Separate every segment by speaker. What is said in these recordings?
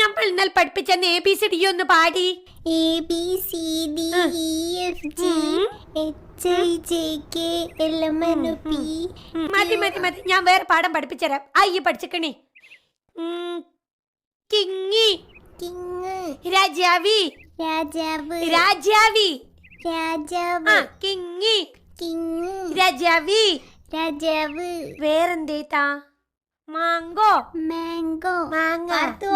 Speaker 1: നമ്മൾ ഇന്നലെ പഠിപ്പിച്ചെന്ന് ABCD ഒന്ന് പാടി. മതി മതി മതി, ഞാൻ വേറെ പാഠം പഠിപ്പിച്ചരാം. അയ്യ പഠിച്ചിക്കണേ. കിങ്ങി രാജാവി രാജാവി കിങ്ങി രാജാവി രാജാവ്. വേറെന്തേത്താ? മാങ്കോ മാങ്കോ മാങ്ങ.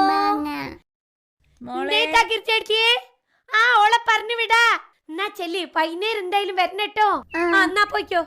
Speaker 1: കിരിച്ചടിക്കേ. ഓളെ പറഞ്ഞു വിടാ. എന്നാ ചെല്ലി, വൈകുന്നേരം എന്തായാലും വരണട്ടോ. എന്നാ പോയിക്കോ.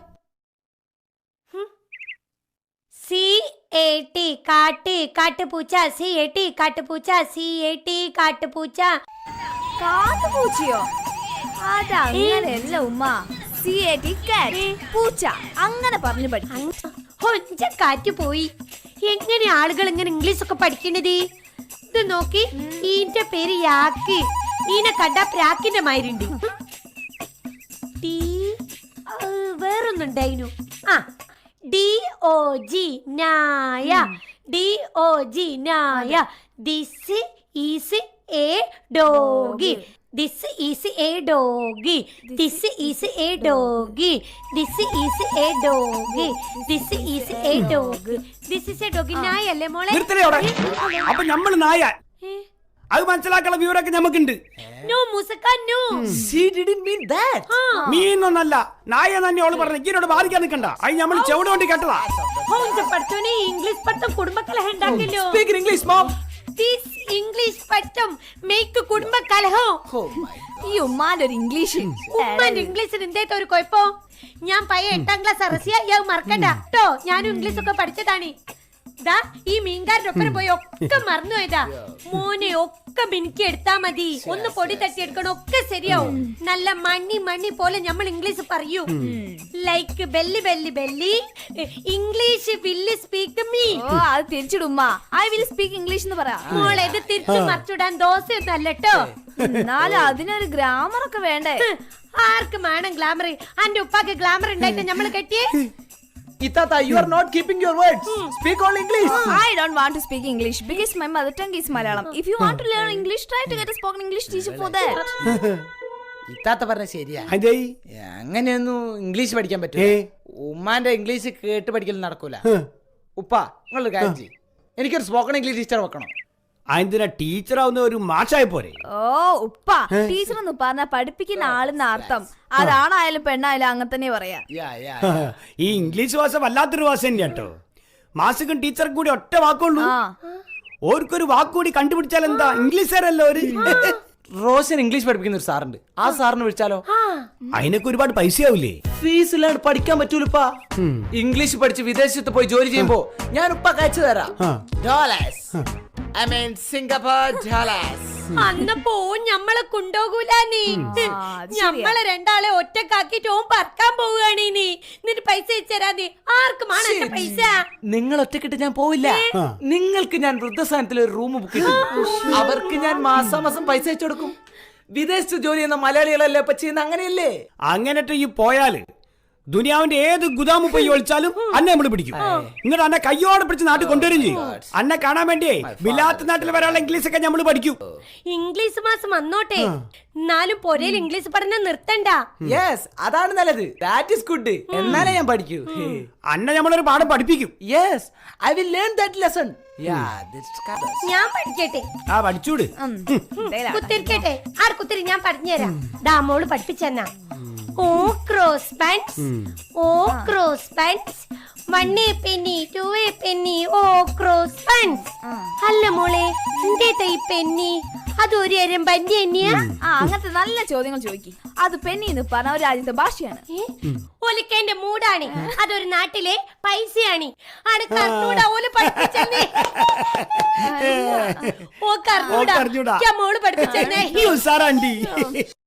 Speaker 1: CAT കാട്ട് കാട്ടുപൂച്ച. CAT കാട്ടുപൂച്ച. CAT കാട്ടുപൂച്ച.
Speaker 2: കാട്ടുപൂച്ചയോ? അതങ്ങനെയല്ല ഉമ്മ. CAT കാറ്റ് പൂച്ച അങ്ങനെ പറഞ്ഞു
Speaker 1: പഠിച്ച കാറ്റ് പോയി. എങ്ങനെ ആളുകൾ ഇങ്ങനെ ഇംഗ്ലീഷ് ഒക്കെ പഠിക്കണത്? ഇത് നോക്കി, ഈന്റെ പേര് യാക്ക്. ഈനെ കണ്ട പ്രാക്കിന്റെ മാതിരിണ്ട്. വേറൊന്നുണ്ടായിരുന്നു. DOG നായ. DOG നായ. This is a doggy. This is a doggy. This is a doggy. This is a doggy. This is a doggy. This is a doggy. നായല്ലേ മോളെ?
Speaker 3: അപ്പൊ നമ്മൾ നായ. അത് മനസ്സിലാക്കാനുള്ള വിവരമൊക്കെ നമുക്കുണ്ട്.
Speaker 1: No മുസക്ക, no.
Speaker 3: She didn't mean that. മീനൊന്നല്ല, നായ തന്നെ ഓള് പറഞ്ഞു. ഇങ്ങനോട് ബാധിക്കാൻ നിൽക്കണ്ട. അത് നമ്മൾ ചെവിട് കൊണ്ട് കേട്ടതാ.
Speaker 1: പഠിച്ചോനെ, ഇംഗ്ലീഷ് പഠിത്തം കുടുംബക്കലഹം ഉണ്ടാക്കില്ലോ.
Speaker 3: Speak English, mom.
Speaker 1: This English പഠിത്തം make കുടുംബക്കലഹം.
Speaker 2: ഈ ഉമ്മാന്റെ ഒരു ഇംഗ്ലീഷ്.
Speaker 1: ഉമ്മാന്റെ ഇംഗ്ലീഷിന് എന്തേത്ത ഒരു കുഴപ്പം? ഞാൻ പയ്യ 8ാം ക്ലാസ് അറസിയ. മറക്കണ്ട കേട്ടോ, ഞാനും ഇംഗ്ലീഷ് ഒക്കെ പഠിച്ചതാണ്. ഈ മീൻകാരുടെ ഒപ്പം പോയി ഒക്കെ മറന്നു പോയതാ. മോനെ ഒക്കെ മിനിക്ക് എടുത്താ മതി. ഒന്ന് പൊടി തട്ടി എടുക്കണം, ഒക്കെ ശരിയാവും. നല്ല മണ്ണി മണ്ണി പോലെ നമ്മൾ ഇംഗ്ലീഷ് പറയൂ. Like belly belly belly. English will speak me.
Speaker 2: അത് തിരിച്ചിടുമ്മ. ഐ വിൽ സ്പീക്ക് ഇംഗ്ലീഷ് എന്ന് പറയാം.
Speaker 1: മോളെ, ഇത് തിരിച്ചു മറിച്ചിടാൻ ദോശയൊന്നും അല്ലട്ടോ.
Speaker 2: എന്നാലും അതിനൊരു ഗ്രാമർ ഒക്കെ വേണ്ടേ?
Speaker 1: ആർക്കും വേണം ഗ്ലാമർ? അന്റെ ഉപ്പാക്ക് ഗ്ലാമർ ഉണ്ടായിട്ട് നമ്മള് കെട്ടിയേ.
Speaker 3: Itata, you are not keeping your words. Speak all English.
Speaker 2: I don't want to speak English because my mother tongue is Malayalam. If you want to learn English, try to get a spoken English teacher for that.
Speaker 4: ഇത്താത്ത പറഞ്ഞ ശരിയാ. അങ്ങനെയൊന്നും English പഠിക്കാൻ പറ്റും. ഉമ്മാന്റെ English കേട്ട് പഠിക്കൽ നടക്കൂല. ഉപ്പ, നിങ്ങളൊരു കാര്യം ചെയ്യ്, എനിക്കൊരു സ്പോക്കൺ ഇംഗ്ലീഷ് ടീച്ചർ വെക്കണം.
Speaker 3: അതിനാ ടീച്ചറാവുന്ന ഒരു മാഷായി പോരെ?
Speaker 2: ഉപ്പ, ടീച്ചർ എന്ന് പറഞ്ഞാൽ പഠിപ്പിക്കുന്ന ആളെന്ന അർത്ഥം. അതാണായാലും പെണ്ണായാലും അങ്ങനെ തന്നെ പറയാ.
Speaker 3: ഈ ഇംഗ്ലീഷ് ഭാഷ വല്ലാത്തൊരു ഭാഷ തന്നെയാ കേട്ടോ. മാഷുക്കും ടീച്ചർക്കും കൂടി ഒറ്റ വാക്കുള്ളൂ. ഓർക്കൊരു വാക്കുകൂടി കണ്ടുപിടിച്ചാൽ എന്താ? ഇംഗ്ലീഷുകാരല്ലോ ഒരു.
Speaker 4: റോഷൻ ഇംഗ്ലീഷ് പഠിപ്പിക്കുന്ന ഒരു സാറുണ്ട്. ആ സാറിന് വിളിച്ചാലോ?
Speaker 3: അതിനൊക്കെ ഒരുപാട് പൈസയാവില്ലേ?
Speaker 4: ഫീസ് ഇല്ലാണ്ട് പഠിക്കാൻ പറ്റൂലപ്പാ. ഇംഗ്ലീഷ് പഠിച്ച് വിദേശത്ത് പോയി ജോലി ചെയ്യുമ്പോ ഞാൻ ഉപ്പ കഴിച്ചു തരാം. I mean Singapore dollars.
Speaker 1: അന്നപ്പോ ഞമ്മളെ കൊണ്ടോകൂല നീ. ഞമ്മളെ രണ്ടാളെ ഒറ്റക്കാക്കിട്ട് ഓൻ പറക്കാൻ പോവുകയാണ് നീ. നിന്റെ പൈസ വെച്ചരാ നീ. ആർക്കുമാണ് എന്റെ പൈസ?
Speaker 4: നിങ്ങൾ ഒറ്റക്കിട്ട് ഞാൻ പോവില്ല. നിങ്ങൾക്ക് ഞാൻ വൃദ്ധസ്ഥാനത്തിൽ ഒരു റൂം ബുക്ക് ചെയ്തു. അവർക്ക് ഞാൻ മാസാമാസം പൈസ അയച്ചു കൊടുക്കും. വിദേശത്ത് ജോലി ചെയ്യുന്ന മലയാളികളല്ലേ ഇപ്പൊ ചെയ്യുന്ന, അങ്ങനെയല്ലേ?
Speaker 3: അങ്ങനെട്ട് ഈ പോയാല് ദുനിയാവിന്റെ ഏത് ഗുദാമു പോയി ഒളിച്ചാലും അന്നെ നമ്മൾ പിടിക്കും. ഇങ്ങോട്ട് അന്നെ കയ്യോടെ പിടിച്ച് നാട്ടിൽ കൊണ്ടുവരും ചെയ്യും. അന്നെ കാണാൻ വേണ്ടിയേ വിലാത്ത നാട്ടിൽ വരാനുള്ള ഇംഗ്ലീഷ് ഒക്കെ നമ്മൾ പഠിക്കും.
Speaker 1: ഇംഗ്ലീഷ് മാസം വന്നോട്ടെ, എന്നാലും പൊരയിൽ ഇംഗ്ലീഷ് പഠനം നിർത്തണ്ട.
Speaker 4: യെസ്, അതാണ് നല്ലത്. That is good. എന്നാലേ ഞാൻ പഠിക്കൂ.
Speaker 3: അന്നെ നമ്മളൊരു പാഠം പഠിപ്പിക്കും.
Speaker 4: Yes, I will learn that lesson.
Speaker 1: ഞാൻ പഠിക്കട്ടെ.
Speaker 3: പഠിച്ചൂട്.
Speaker 1: കുത്തിരിക്കട്ടെ. കുത്തിരി ഞാൻ പറഞ്ഞുതരാം. മോള് പഠിപ്പിച്ചെന്നാ. O cross pants, O cross pants, 1 penny, 2 penny, O cross pants. അല്ല മോളെ, എന്തേതാ ഈ പെന്നി? അതൊരു എരമ്പന്റെ തന്നെയാ?
Speaker 2: അങ്ങനത്തെ നല്ല ചോദ്യങ്ങൾ ചോദിക്കും. അത് പെന്നി എന്ന് പറഞ്ഞ ഒരു രാജ്യത്തെ ഭാഷയാണ്.
Speaker 1: ഒലിക്കേന്റെ മൂടാണ്. അതൊരു നാട്ടിലെ പൈസയാണ്. ആണ് കർണൂടാ ഓല് പഠിപ്പിച്ചേ. ഓ കർണൂടാ മോള് പഠിപ്പിച്ചേ.